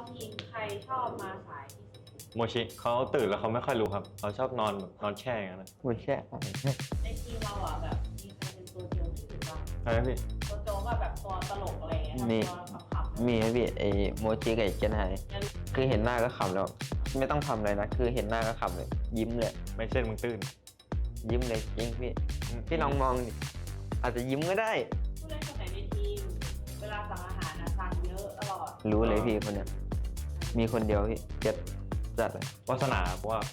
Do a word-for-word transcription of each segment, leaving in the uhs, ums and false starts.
ทีมใครชอบมาสายที่สุดโมชิเขาตื่นแล้วเขาไม่ค่อยรู้ครับเขาชอบนอนแบบนอนแช่อย่างนั้นนะพูดแค่ในทีมเราอ่ะแบบมีใครเป็นตัวโจ๊กที่สุดบ้างใช่ไหมพี่ตัวโจ๊กอะแบบตัวตลกอะไรเงี้ยมีตัวขำๆมีไหมพี่ไอโมจิกับไอเจนไฮงั้นคือเห็นหน้าก็ขำแล้ว ไม่ต้องทำอะไรนะ คือเห็นหน้าก็ขำเลย ยิ้มเลยไม่เช่นมึงตื่นยิ้มเลยจริงพี่พี่ลองมองดิอาจจะยิ้มก็ได้ผู้เล่นคนไหนในทีม เวลาสั่งอาหารนะสั่งเยอะตลอดรู้เลยพี่คนเนี้ยมีคนเดียวพี่เจ็ดจัดเลยวาสนาเพราะว่า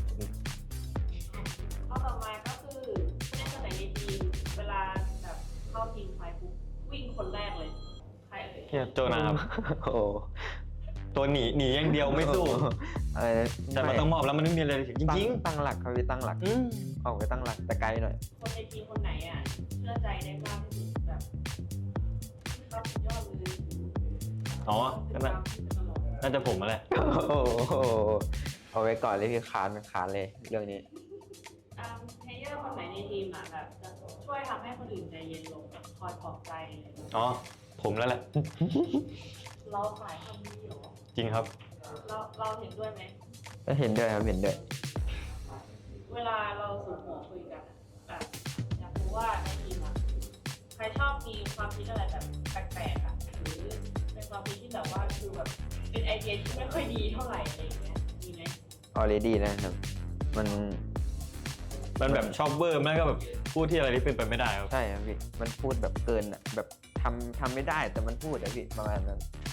ข้อต่อมาก็คือผู้เล่นคนไหนในทีม เวลาแบบเข้าทีมไฟปุ๊บวิ่งคนแรกเลย ใครเอ่ยเฮียโจนาครับโอ้โหตัวหนีหนีอย่างเดียวไม่สู้อะไรนะแต่มันต้องมอบแล้วมันไม่มีอะไรจริงตั้จริงตั้งหลักครับพี่ตั้งหลักอืมออกไปตั้งหลักแต่ไกลหน่อยคนในทีมคนไหนอ่ะเชื่อใจได้มากที่สุดแบบที่เขาสุดยอดเลยอ๋อก็น่าน่าจะผมมาแหละโอ้โหเอาไว้ก่อนเลยพี่คานคานเลยเรื่องนี้อ่าเพลเยอร์คนไหนในทีมอ่ะแบบจะช่วยทำให้คนอื่นใจเย็นลงแบบคอยปลอบใจอะไรอย่างเงี้ยอ๋อผมแล้วแหละเราสายคนนี้เหรอจริงครับเราเราเห็นด้วยไหมก็เห็นด้วยครับเห็นด้วยเวลาเราสูงหัวคุยกันอะแบบอยากรู้ว่าในทีมอ่ะใครชอบมีความคิดอะไรแบบแปลกๆอ่ะหรือเป็นความคิดที่แบบว่าคือแบบเป็นไอเดียที่ไม่ค่อยดีเท่าไหร่อะไรอย่างเงี้ยมีไหม already นะครับ มันมันแบบชอบเบอร์มันก็แบบพูดที่อะไรที่เป็นไปไม่ได้ครับใช่ครับพี่ มันพูดแบบเกินอ่ะ แบบทำทำไม่ได้แต่มันพูดอะพี่ประมาณนั้น